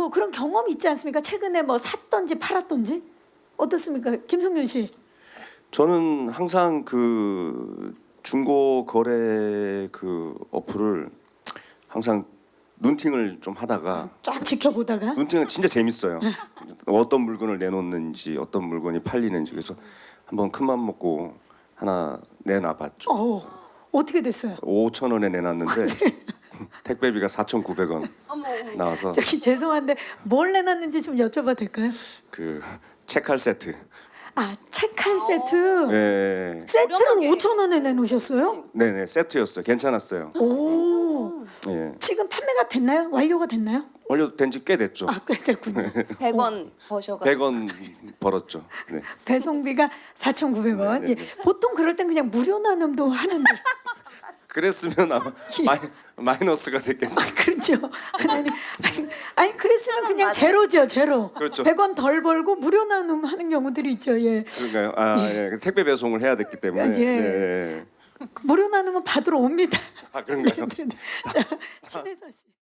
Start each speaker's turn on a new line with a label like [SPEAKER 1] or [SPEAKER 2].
[SPEAKER 1] 실제로 그런 경험 있지 않습니까? 최근에 뭐 샀던지 팔았던지 어떻습니까, 김성윤 씨?
[SPEAKER 2] 저는 항상 그 중고 거래 그 어플을 항상 눈팅을 좀 하다가
[SPEAKER 1] 쫙 지켜보다가
[SPEAKER 2] 눈팅은 진짜 재밌어요. 어떤 물건을 내놓는지 어떤 물건이 팔리는지 그래서 한번 큰맘 먹고 하나 내놔봤죠.
[SPEAKER 1] 어떻게 됐어요?
[SPEAKER 2] 5천 원에 내놨는데 택배비가 4,900원 나와서
[SPEAKER 1] 저기 죄송한데 뭘 내놨는지 좀 여쭤봐도 될까요?
[SPEAKER 2] 그 책할 세트.
[SPEAKER 1] 아, 책할 세트.
[SPEAKER 2] 네,
[SPEAKER 1] 세트를
[SPEAKER 3] 저렴하게.
[SPEAKER 1] 5,000원에 내놓으셨어요?
[SPEAKER 2] 네네 세트였어요. 괜찮았어요.
[SPEAKER 1] 오,
[SPEAKER 2] 예,
[SPEAKER 1] 지금 판매가 됐나요? 완료가 됐나요?
[SPEAKER 2] 완료된 지 꽤 됐죠.
[SPEAKER 1] 아, 꽤 됐군요.
[SPEAKER 3] 100원 버셔가.
[SPEAKER 2] 100원 벌었죠. 네.
[SPEAKER 1] 배송비가 4,900원.
[SPEAKER 2] 네, 네,
[SPEAKER 1] 예. 보통 그럴 땐 그냥 무료 나눔도 하는데.
[SPEAKER 2] 그랬으면 아마 마이너스가 됐겠네.
[SPEAKER 1] 그렇죠. 아니 그랬으면 그냥 제로죠, 제로.
[SPEAKER 2] 그렇죠.
[SPEAKER 1] 100원 덜 벌고 무료 나눔 하는 경우들이 있죠. 예.
[SPEAKER 2] 그런가요? 아, 예. 택배 배송을 해야 됐기 때문에.
[SPEAKER 1] 예.
[SPEAKER 2] 예.
[SPEAKER 1] 무료 나눔은 받으러 옵니다.
[SPEAKER 2] 아, 그런가요?
[SPEAKER 1] 네, 네. 자, 신혜서 씨.